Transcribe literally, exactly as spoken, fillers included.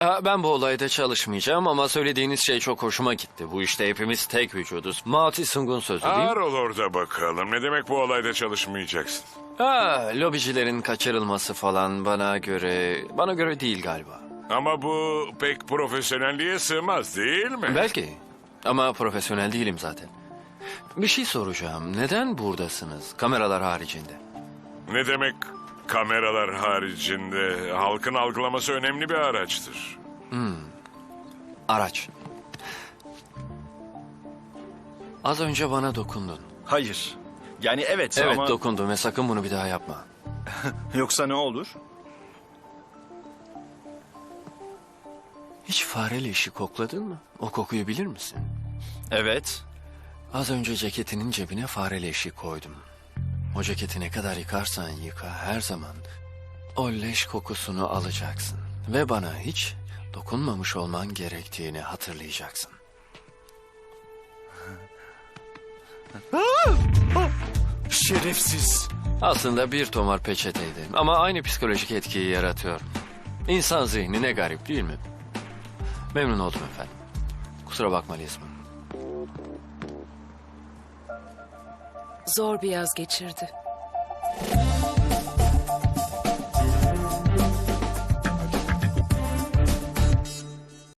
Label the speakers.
Speaker 1: Ha, ben bu olayda çalışmayacağım ama söylediğiniz şey çok hoşuma gitti. Bu işte hepimiz tek vücuduz. Mao Tse-Tung'un sözü değil mi?
Speaker 2: Ağır ol orada bakalım. Ne demek bu olayda çalışmayacaksın?
Speaker 1: Ha, lobicilerin kaçırılması falan bana göre... Bana göre değil galiba.
Speaker 2: Ama bu pek profesyonelliğe sığmaz değil mi?
Speaker 1: Belki. Ama profesyonel değilim zaten. Bir şey soracağım. Neden buradasınız? Kameralar haricinde.
Speaker 2: Ne demek kameralar haricinde? Halkın algılaması önemli bir araçtır.
Speaker 1: Araç. Az önce bana dokundun.
Speaker 3: Hayır. Yani evet,
Speaker 1: Evet
Speaker 3: ama
Speaker 1: dokundum ve sakın bunu bir daha yapma.
Speaker 3: yoksa ne olur?
Speaker 1: Hiç fare leşi kokladın mı? O kokuyu bilir misin?
Speaker 3: Evet.
Speaker 1: Az önce ceketinin cebine fare leşi koydum. O ceketi ne kadar yıkarsan yıka her zaman o leş kokusunu alacaksın. Ve bana hiç dokunmamış olman gerektiğini hatırlayacaksın.
Speaker 3: Şerefsiz.
Speaker 1: Aslında bir tomar peçeteydi ama aynı psikolojik etkiyi yaratıyor. İnsan zihni ne garip değil mi? Memnun oldum efendim. Kusura bakma Lizman.
Speaker 4: Zor bir yaz geçirdi.